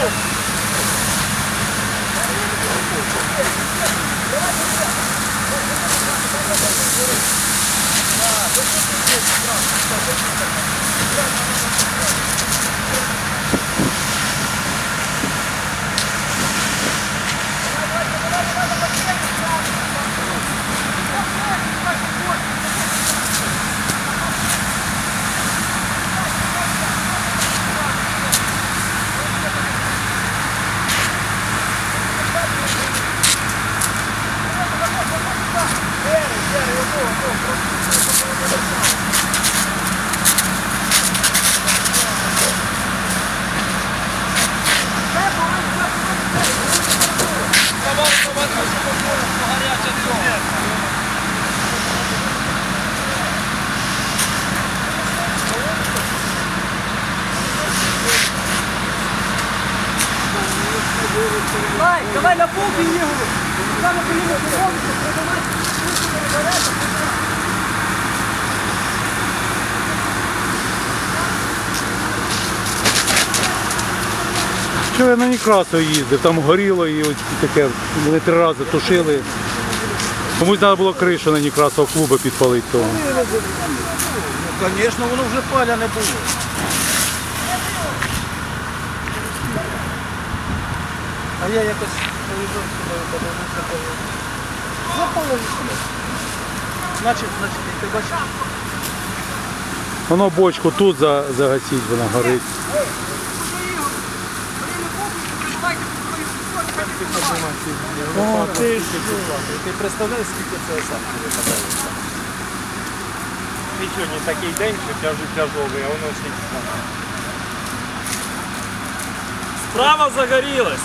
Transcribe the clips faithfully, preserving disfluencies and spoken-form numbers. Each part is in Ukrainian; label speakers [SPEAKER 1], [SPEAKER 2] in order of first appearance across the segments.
[SPEAKER 1] Давай, давай на полки його. Там на коліно поробиться, придавай.
[SPEAKER 2] Що я на Некрасов їздив, там горіло і ось таке, вони три рази тушили. Комусь треба було кришу на Некрасов клубу підпалити того.
[SPEAKER 3] Ну, звісно, воно вже паляне було. А я якось повідомив собою, подивився, повідомив. Запалив себе. Значить, значить, як ти бачиш?
[SPEAKER 2] Воно бочку тут загасіть, вона горить.
[SPEAKER 3] О, ти ж, ти представляєш, скільки це сам випадає?
[SPEAKER 4] І сьогодні такий день, що тяжу тяжовий, а воно скільки саме.
[SPEAKER 1] Справа загорілась.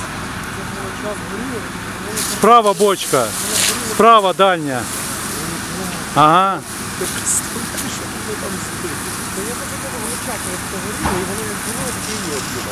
[SPEAKER 2] Справа бочка, справа дальня. Ага.
[SPEAKER 3] Ти представляєш, що вони там збили? Та я так думав, воно чаки, як це горіло, і воно як було, таке і є отсюда.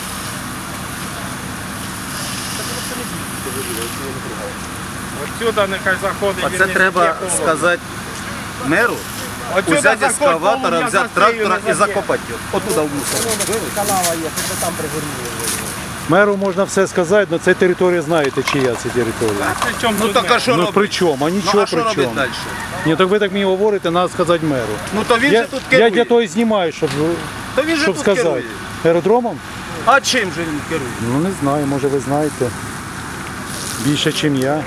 [SPEAKER 3] Так воно це не бійте горіло, якщо я не пригаю.
[SPEAKER 4] Отсюда нехай заходить.
[SPEAKER 5] Оце треба сказати меру, взяти ескаватора, взяти трактора і закопати його. Отуда в мусор.
[SPEAKER 3] Канава є, що там пригоріло.
[SPEAKER 2] Меру можна все сказати, але це територія, знаєте, чия це територія.
[SPEAKER 5] Ну так а що
[SPEAKER 2] Ну
[SPEAKER 5] робити?
[SPEAKER 2] при чому? А
[SPEAKER 5] Ну
[SPEAKER 2] нічого
[SPEAKER 5] а що
[SPEAKER 2] при
[SPEAKER 5] робити
[SPEAKER 2] чому.
[SPEAKER 5] далі?
[SPEAKER 2] Ні, так ви так мені говорите, треба сказати меру.
[SPEAKER 5] Ну то він
[SPEAKER 2] Я,
[SPEAKER 5] же тут
[SPEAKER 2] я для
[SPEAKER 5] керує.
[SPEAKER 2] того і знімаю, щоб,
[SPEAKER 5] То він же
[SPEAKER 2] щоб
[SPEAKER 5] тут
[SPEAKER 2] сказати.
[SPEAKER 5] керує.
[SPEAKER 2] Аеродромом?
[SPEAKER 5] А чим же він керує?
[SPEAKER 2] Ну не знаю, може ви знаєте. Більше, ніж я.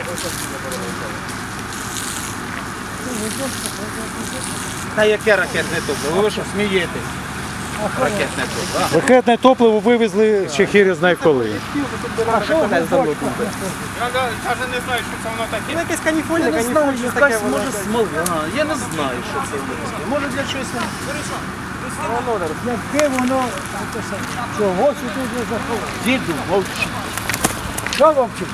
[SPEAKER 5] Та яке ракетне топливо? Ви що смієте? Ракетне топливо.
[SPEAKER 2] Ракетне топливо вивезли ще хір знає коли.
[SPEAKER 3] А що ви не зробили?
[SPEAKER 4] Я навіть не знаю, що це воно таке.
[SPEAKER 3] Ну якесь каніфольне, каніфольне, щось таке воно. Може смола, я не знаю, що це таке. Може для чогось. Володар,
[SPEAKER 1] Яке воно, чого сюди вже заходить? Діду, мовчи. Що мовчить?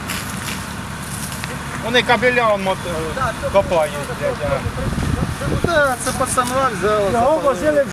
[SPEAKER 4] Вони кабеля он, копають.
[SPEAKER 5] Так, це пацанва взяла.
[SPEAKER 1] Його возили